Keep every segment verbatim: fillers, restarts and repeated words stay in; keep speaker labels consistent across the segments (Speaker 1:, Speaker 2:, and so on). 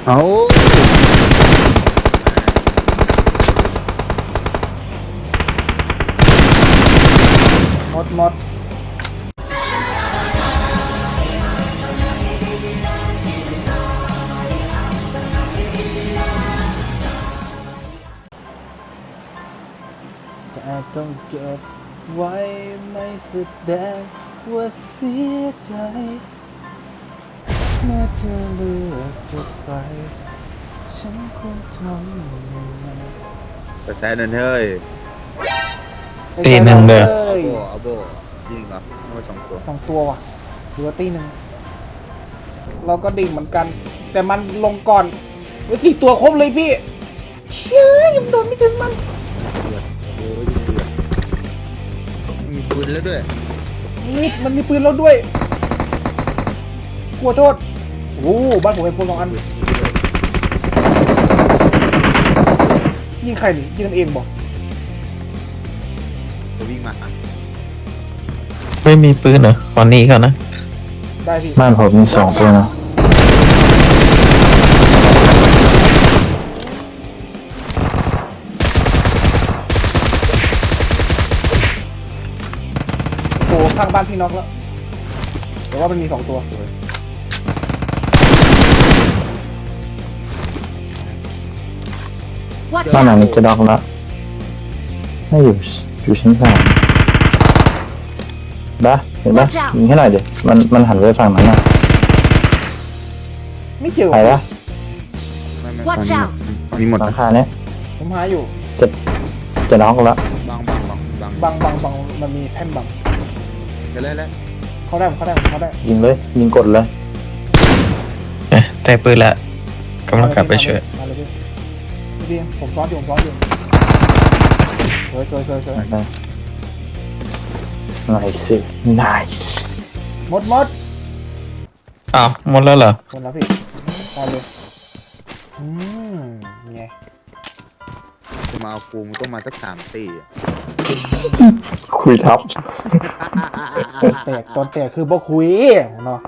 Speaker 1: เอา
Speaker 2: หมดหมดแต่ต้องเก็บไว้ไม่แสดงว่าเสียใจเมื่อเธอเลือกจะไปฉันคงทำยังไง
Speaker 1: กระแสนั่นเฮ้ย
Speaker 3: ตีหนึ่งเด้อ
Speaker 1: เอาโบเอาโบยิงเหรอเอามาสองตัว
Speaker 2: สองตัวว่ะหรือว่าตีหนึ่งเราก็ดิ่งเหมือนกัน แต่มันลงก่อนเฮ้ยสี่ตัวครบเลยพี่เชื่อยังโดนไม่ถึงมัน
Speaker 1: เดือดโอ้ยยิงเดือดมีปืนแล้วด้วย
Speaker 2: มีมันมีปืนแล้วด้วยกลัวโทษโอ้บ้านผมเป็นโฟนสองอันยิงใครนี่ยิงกันเองบอก
Speaker 1: จะวิ่งมา
Speaker 3: ไม่มีปืนเหรอขอหนีก่อนนะ
Speaker 2: ได้พี่
Speaker 4: บ้านผมมีสองตัวนะ
Speaker 2: โอ้ข้างบ้านพี่น็อกแล้วแต่ว่ามันมีสองตัว
Speaker 5: Watch
Speaker 4: บ้านหลัง
Speaker 5: out!
Speaker 4: นี้จะดอกละไม่อยู่อยู่ชั้นสามบ้าเห็นปะ
Speaker 5: Watch out
Speaker 4: ยิงให้หน่อยดิมันมันหันไปฝั่งนั้นนะ
Speaker 2: ไม่เจอ
Speaker 4: ใครวะ
Speaker 1: ไม่ไม่
Speaker 5: Watch
Speaker 1: มี
Speaker 5: out
Speaker 1: มีหมด
Speaker 4: หลั
Speaker 1: นะ
Speaker 4: งคาเนี้ย
Speaker 2: ผมหาอยู่
Speaker 4: จะจะน็อกละ
Speaker 1: บังบังบังบัง
Speaker 2: บังบังบังมันมีแท่นบัง
Speaker 1: เดี๋ยวแล้วแล้ว
Speaker 2: เขาได้เขาได้เขาได้
Speaker 4: ยิงเลยยิงกดเลย
Speaker 3: เอ๊ะได้ปืนละกำลังกลับไปช่วย
Speaker 2: มาเลยพี่พี่ผมซ้อนอยู่ผมซ้อนอยู่สวยสวยสวยสวย
Speaker 4: ได้ nice nice
Speaker 2: หมดหมด
Speaker 3: อ้าวหมดแล้วเหรอ
Speaker 2: หมดแล้วพี่ตายเลยอืมไง
Speaker 1: จะมาเอากูมึงต้องมาสักสามตีอะ
Speaker 4: คุยทับ
Speaker 2: ตอนแตกตอนแตกคือบ่คุยเนาะ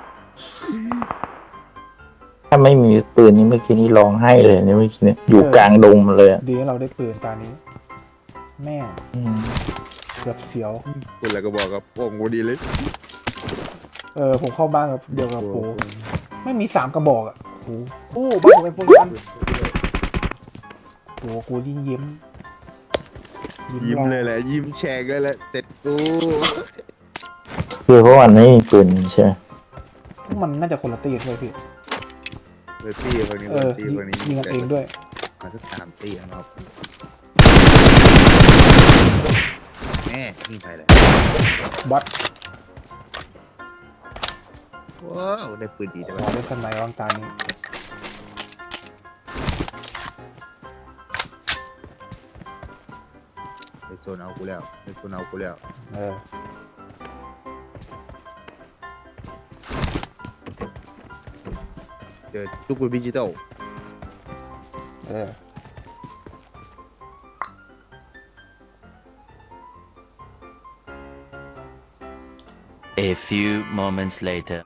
Speaker 4: ถ้าไม่มีปืนนี้เมื่อกี้นี้ร้องไห้เลยเนี่ยเมื่อกี้เนี่ยอยู่กลางดงเลยอะ
Speaker 2: ดีที่เราได้ปืนตานี้ แม่ง
Speaker 4: อืม
Speaker 2: เกือบเสียว
Speaker 1: กูอะไรก็บอกกับโป่งกูดีเลย
Speaker 2: เออผมเข้าบ้านกับเดียวกับปูไม่มีสามกระบอกอ่ะโอ้โหบ้านผมเป็นโฟนอันโอ้กูยิ่งยิ้ม
Speaker 1: ยิ้ม
Speaker 2: รอ
Speaker 1: เลยแหละยิ้มแฉกเลยแหละเสร็จกู
Speaker 4: คือเพราะวันไม่มีปืนใช่ไหม
Speaker 2: พวกมันน่าจะคนละตีด้วยพี่
Speaker 1: เบอร์ตี้คนนี้
Speaker 2: เอ
Speaker 1: เบอ
Speaker 2: อ
Speaker 1: ร์ตี้คนนี้
Speaker 2: ยิงกันเองด้วย
Speaker 1: มาสักสามตีนะครับแม่ยิงใครเลย
Speaker 2: บอส
Speaker 1: ว้าวได้ปืนดีแต่
Speaker 2: ขอ
Speaker 1: ว่า
Speaker 2: เล่นสไนด์วางตานี้
Speaker 1: ไปโซนเอากูแล้วไปโซนเอากูแล้ว
Speaker 2: เออ
Speaker 1: เจอทุกปืนดิจิตอล
Speaker 2: เออ
Speaker 6: A few moments later.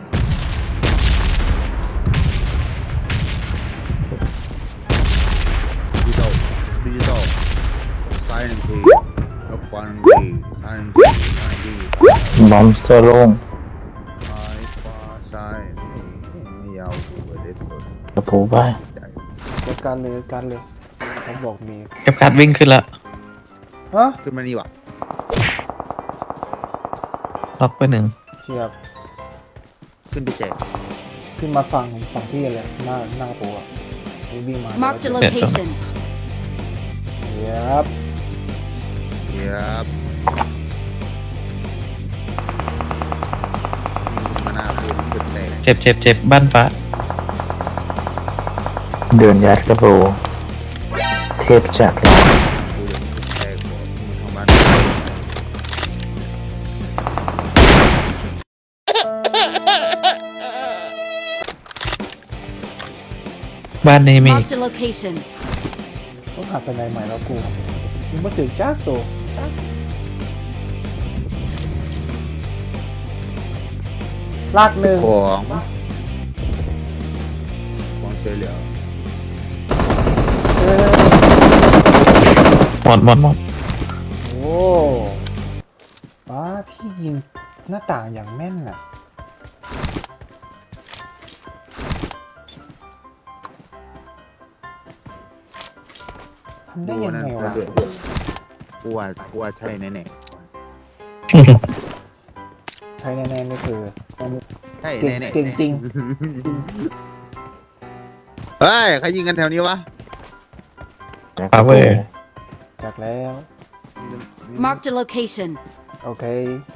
Speaker 1: ดิจิตอลดิจิตอลซ้ายหนึ่งทีแล้วขวาหนึ่งทีซ้ายหนึ่งทีซ้ายหนึ่งที
Speaker 4: บอมสเตอร์โล่ง
Speaker 1: ซ้ายขวาซ้ายนี่ไม่ยาวกูเลยเด็ดตัว
Speaker 4: กระปูไป
Speaker 1: ใจ
Speaker 2: จัดการเลยจัดการเลยเขาบอกมี
Speaker 3: เก็บการ์ดวิ่งขึ้นละ
Speaker 2: ฮะ
Speaker 1: ขึ้นมานี่วะ
Speaker 3: ล็อกไปหนึ่ง
Speaker 2: เชียบ
Speaker 1: ขึ้นไปแฉก
Speaker 2: ขึ้นมาฝั่งฝั่งพี่เลยหน้าหน้าตัววิ่งมา
Speaker 5: Marked a location.
Speaker 2: เชียบ
Speaker 1: เยียบมาหน้าปืนขึ้นแตก
Speaker 3: เจ็บเจ็บเจ็บบ้านฟ้า
Speaker 4: เดินยัดกระปูเทพจัดเลย
Speaker 1: ปืนขึ้นแตกหมดมึงทำบ้าน
Speaker 3: บ้านนี้มี
Speaker 5: Marked a location.
Speaker 2: ต้องหาสไนด์ใหม่แล้วกูมึงมาถึงจ้าตัวลากหนึ่ง
Speaker 1: ของของช่วยเหลือ
Speaker 2: เออ
Speaker 3: หมดหมดหมด
Speaker 2: โอ้ป้าพี่ยิงหน้าต่างอย่างแม่นน่ะทำได้ยังไงวะ
Speaker 1: กูว่ากูว่าใช่แน่
Speaker 2: ใช่แน่ๆนี่คือ
Speaker 1: ๆใช่
Speaker 2: เก่ง
Speaker 1: แน่ๆ
Speaker 2: เก่งจริง
Speaker 1: เฮ้ยใครยิงกันแถวนี้วะ
Speaker 3: ปาเวอร์
Speaker 2: จากแล้ว
Speaker 5: Marked a location.
Speaker 2: โอเค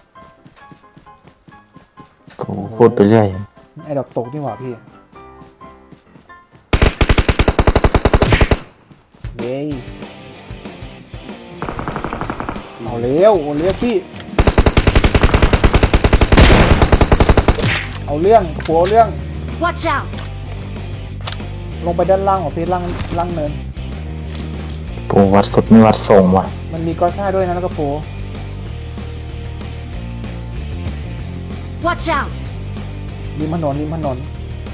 Speaker 4: โอ้โหพูดไปเรื่อย
Speaker 2: ไอ้ดอกตกนี่หว่าพี่เย้เอาเร็วเอาเร็วพี่ เอาเรื่องหัวเอาเรื่อง
Speaker 5: Watch out!
Speaker 2: ลงไปด้านล่างของพี่ล่างล่างเนิน
Speaker 4: ปูวัดสุดไม่วัดทรงว่ะ
Speaker 2: มันมีกอซ่าด้วยนะแล้วก็โป
Speaker 5: Watch out!
Speaker 2: ริมถนนริมถนน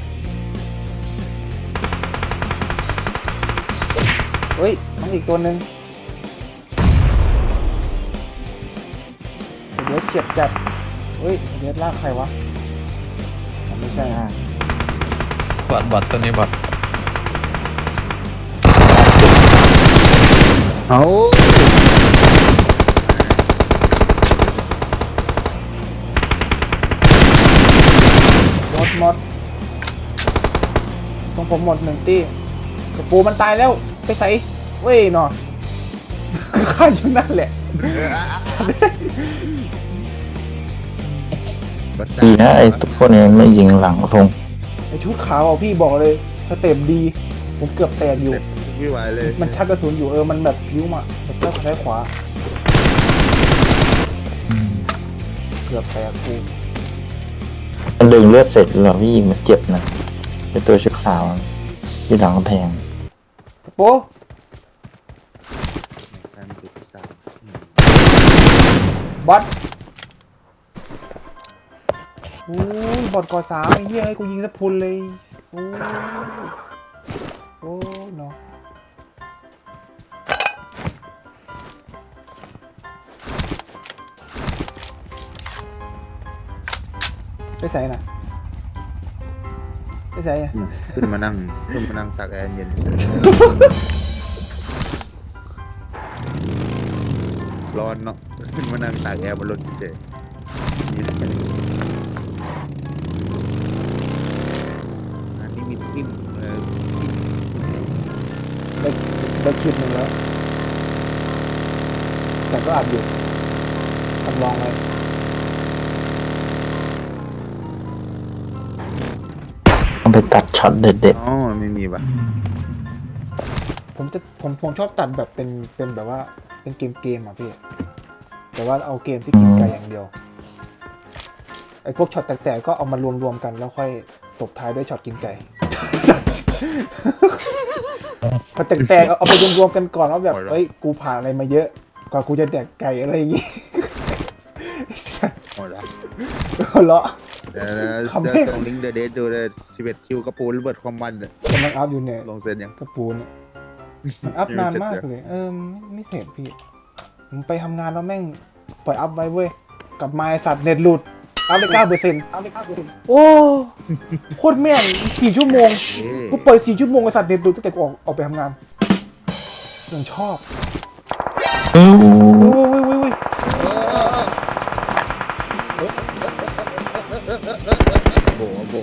Speaker 2: เฮ้ยมันอีกตัวหนึ่งเดี๋ยวเฉียบจัดเฮ้ยเดี๋ยวลากใครวะอ๋อไม่ใช่ฮะ
Speaker 3: บอดบอดตัวนี้บอด
Speaker 1: เอา
Speaker 2: หมดหมดตรงผมหมดหนึ่งตี้กระปูมันตายแล้วไปใส่เว้ยเนาะ ข้าอยู่นั่นแหละ
Speaker 4: ดีนะไอ้พวกนี้ไม่ยิงหลังทรง
Speaker 2: ไอชุดขาวอ่ะพี่บอกเลยสเต็ปดี ผมเกือบแตกอยู่
Speaker 1: ไม่ไหวเลย
Speaker 2: มันชักกระสุนอยู่เออมันแบบยิ้วมาแบบชักซ้ายขวาเกือบแตกกู
Speaker 4: มันดึงเลือดเสร็จแล้วพี่ยิงมันเจ็บนะไอ้ตัวชุดขาวที่หลังกำแพง
Speaker 2: โป๊ะ
Speaker 1: การติดสาม
Speaker 2: บอสโอ้ยบอสกอสามไอ้เหี้ยให้กูยิงสะพุนเลยโอ้ยโอ้ยเนาะไปใส่น่ะไปใส่อะ
Speaker 1: ขึ้นมานั่งขึ้นมานั่งตากแอร์เย็นร้อนเนาะขึ้นมานั่งตากแอร์บนรถเจ๊อันนี้มีทิ่มเออ
Speaker 2: ได้ได้คลิปหนึ่งแล้วแต่ก็อัดอยู่ทำลองไว้
Speaker 4: ต้องไปตัดช็อตเด็ด
Speaker 1: อ๋อไม่มีป่ะ
Speaker 2: ผมจะผมผมชอบตัดแบบเป็นเป็นแบบว่าเป็นเกมเกมอ่ะพี่แต่ว่าเอาเกมที่กินไก่อย่างเดียวไอ้พวกช็อตแตกๆก็เอามารวมๆกันแล้วค่อยตบท้ายด้วยช็อตกินไก่ พอแตกๆเอาเอาไปรวมๆกันก่อนว่าแบบเอ้ยกูผ่านอะไรมาเยอะกว่ากูจะแดกไก่อะไรอย่างงี้
Speaker 1: หมดละ
Speaker 2: หัวเราะ
Speaker 1: เดี๋ยว
Speaker 2: คำ
Speaker 1: เดี๋ยว
Speaker 2: แม่ง
Speaker 1: ส่งลิงก์เดอะเดทดูเลยสิบเอ็ดคิวกระปูระเบิดความมันเนี่ย
Speaker 2: กำลังอัพอยู่เนี่ย
Speaker 1: ลงเซ็นยัง
Speaker 2: กระปูเนี่ยมันอัพนานมากเลยเออไม่ไม่เสร็จพี่ผมไปทำงานแล้วแม่งปล่อยอัพไว้เว้ยกลับมาไอ้สัตว์เน็ตหลุดอัพได้เก้าเปอร์เซ็นต์อัพได้เก้าเปอร์เซ็นต์โอ้โคตรแม่งสี่ชั่วโมง
Speaker 1: เอ๊ะ
Speaker 2: กูเปิดสี่ชั่วโมงไอ้สัตว์เน็ตหลุดตั้งแต่กูออกออกไปทำงานยังชอบ
Speaker 3: ๆอู้
Speaker 2: เว้ยเว้ยเว้ยเว้ย
Speaker 1: โบะโบะ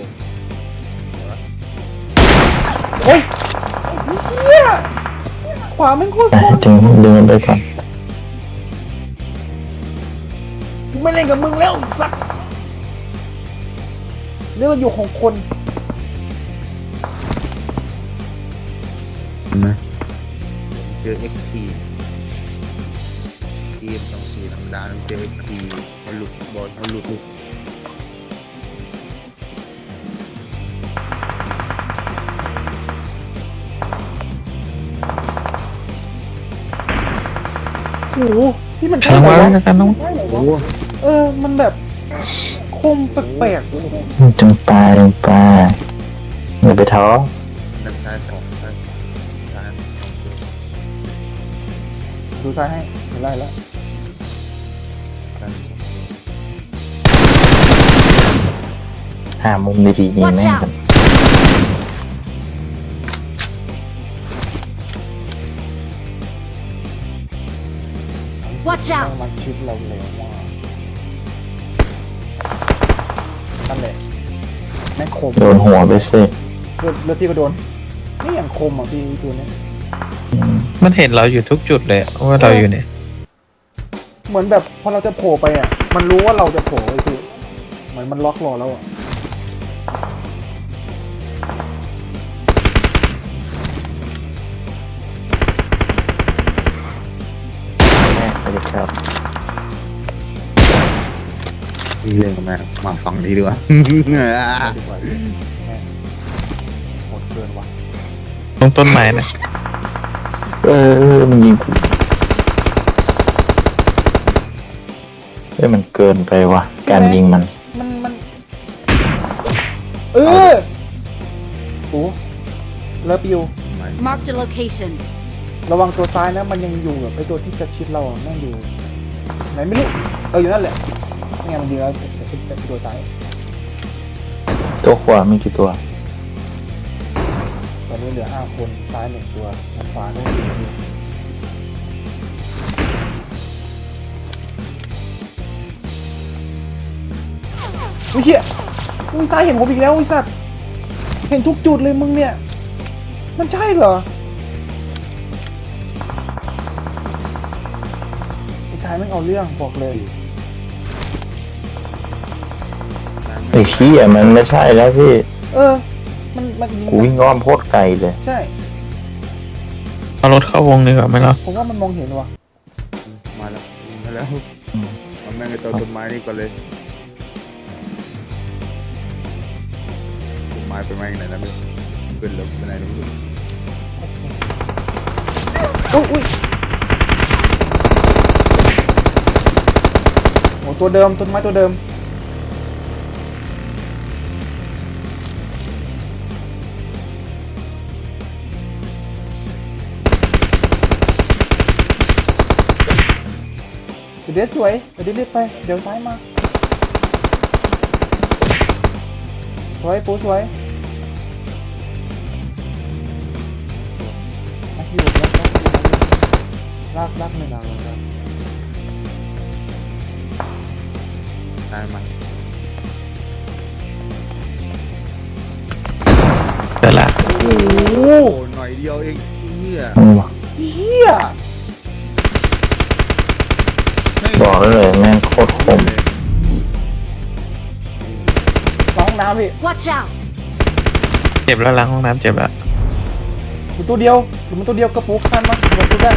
Speaker 2: โอ้ยเฮียขวาแม่งโคตร
Speaker 4: ๆ
Speaker 2: คม
Speaker 4: ถึงดึงมันไปก่อน
Speaker 2: กูไม่เล่นกับมึงแล้วไอ้สัตว์เรื่องอยู่ของคน
Speaker 1: เห็นไหมเจอ เอ็กซ์ พี ทีมสองสี่ธรรมดาเจอ เอ็กซ์ พี มันหลุดบอลมันหลุด
Speaker 2: โอ้โหนี่มัน
Speaker 3: กำ
Speaker 2: ใช่
Speaker 3: ลัง
Speaker 2: ไหม
Speaker 3: มาแล้ว
Speaker 2: วะ
Speaker 3: กันน้อง
Speaker 1: โอ้โห
Speaker 2: เออมันแบบคมแปลก
Speaker 4: จงปลาจงปลาอย่าไปท้อ
Speaker 1: นั่น
Speaker 2: ดูซ้ายให้เห็นไล่แล้ว
Speaker 4: หามุมดีๆยิง
Speaker 5: Watch
Speaker 4: แม่งกัน
Speaker 5: out! Watch
Speaker 2: แม่ง
Speaker 5: out!
Speaker 2: มันชิดเราเร็วมากนั่นแหละแม่งคม
Speaker 4: โดนหัวไปสิ
Speaker 2: เลือดเลือดที่ก็โดนนี่อย่างคมอ่ะพี่ตัวเนี้ย
Speaker 3: มันเห็นเราอยู่ทุกจุดเลยอะว่าเราอยู่เนี่ย
Speaker 2: เหมือนแบบพอเราจะโผล่ไปอ่ะมันรู้ว่าเราจะโผล่ไอ้พี่เหมือนมันล็อกรอแล้วอ่ะ
Speaker 4: แม่งไปเลยครับ
Speaker 1: นี่เรื่องกับแม่มาฟังดีดีกว่า
Speaker 2: เอาดีกว่าพี่แม่งโหดเกินว่ะ
Speaker 3: ตรงต้นไม้นะ
Speaker 4: เออมันยิงกูเฮ้ยมันเกินไปว่ะการยิงมัน
Speaker 2: มันมันเออโอ้เลิฟยู
Speaker 5: Marked a location.
Speaker 2: ระวังตัวซ้ายนะมันยังอยู่แบบไอตัวที่จะชิดเราอะแม่งอยู่ไหนไม่รู้เอออยู่นั่นแหละนี่ไงมันยิงแล้วไอ้ไอ้ไอ้ตัวซ้าย
Speaker 4: ตัวขวามีกี่ตัว
Speaker 2: ตอนนี้เหลือห้าคนซ้ายหนึ่งตัวทางขวาโน้นสี่ตัวอุ้ยเหี้ยอุ้ยซ้ายเห็นผมอีกแล้วอุ้ยสัตว์เห็นทุกจุดเลยมึงเนี่ยมันใช่เหรอไอ้ซ้ายแม่งเอาเรื่องบอกเลย
Speaker 4: ไอ้ขี้อ่ะมันไม่ใช่แล้วพี่
Speaker 2: เออ มันมันยิง
Speaker 4: กูวิ่งอ้อมโคตรไกลเลย
Speaker 2: ใช่
Speaker 3: เอารถเข้าวงดีกว่าไหมล่ะ
Speaker 2: ผมว่ามันมองเห็นว่ะ
Speaker 1: มาแล้วมาแล้วเอาแม่งไอ้ตัวต้นไม้นี่ก่อนเลยต้นไม้ไปแม่งไหนนะไม่ขึ้นแล้วไปไหนไม่รู้
Speaker 2: อุ้ยอุ้ยโอ้ตัวเดิมต้นไม้ตัวเดิมเดี๋ยวสวยเดี๋ยวรีบไปเดี๋ยวซ้ายมาสวยปูสวยลักอยู่ลักลักอยู่ลักลักหนึ่งอ่ะลัก
Speaker 1: ตายมา
Speaker 3: เดี๋ยวละ
Speaker 2: โอ้โห
Speaker 1: โอ้หน่อยเดียวเองเนี่ย
Speaker 4: อืม
Speaker 2: เฮีย
Speaker 4: บอกได้เลยแม่งโคตรคม
Speaker 2: หลังห้องน้ำพี่
Speaker 5: Watch out!
Speaker 3: เจ็บแล้วล้างห้องน้ำเจ็บแล้ว
Speaker 2: อยู่ตัวเดียวหรือมันตัวเดียวกระปุกทันมั้ยหมดตัวได้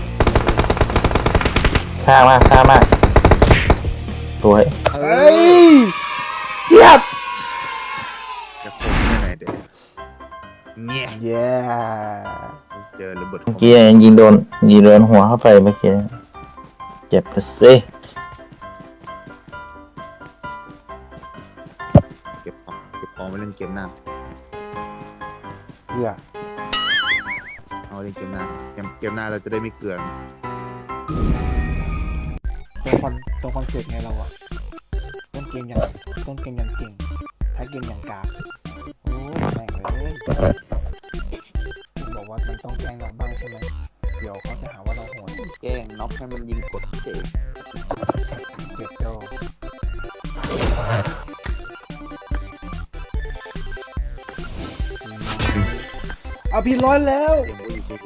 Speaker 4: ซ่ามากซ่ามากสวย
Speaker 1: เอ
Speaker 2: เฮ้
Speaker 1: อย
Speaker 2: เจี๊ยบ
Speaker 1: จะคมได้ไงเด็กเนี่ย
Speaker 2: เย้
Speaker 1: เจอระเบิด
Speaker 4: เมื่อกี้ยิงโดนยิงโดนหัวเข้าไปเมื่อกี้เจ็บไปสิ
Speaker 1: เก็บของเก็บของไปเล่นเกมหน้า
Speaker 2: เหี้ย
Speaker 1: เอาเล่นเกมหน้าเกมเกมหน้าเราจะได้ไม่เกลือน
Speaker 2: ตัวคอนตัวคอนเซ็ปต์ไงเราอะต้นเกมอย่างต้นเกมอย่างเก่งท้ายเกมอย่างกากโอ้ยแม่งเลยคุณบอกว่ามันต้องแกล้งเราบ้างใช่ไหมเดี๋ยวเขาจะหาว่าเราโหด
Speaker 1: แกล้งน็อกให้มันยิงกดเจ็บ
Speaker 2: เจ็บโจ้เอาพี่ร้อยแล้ว
Speaker 1: เกมก็อยู่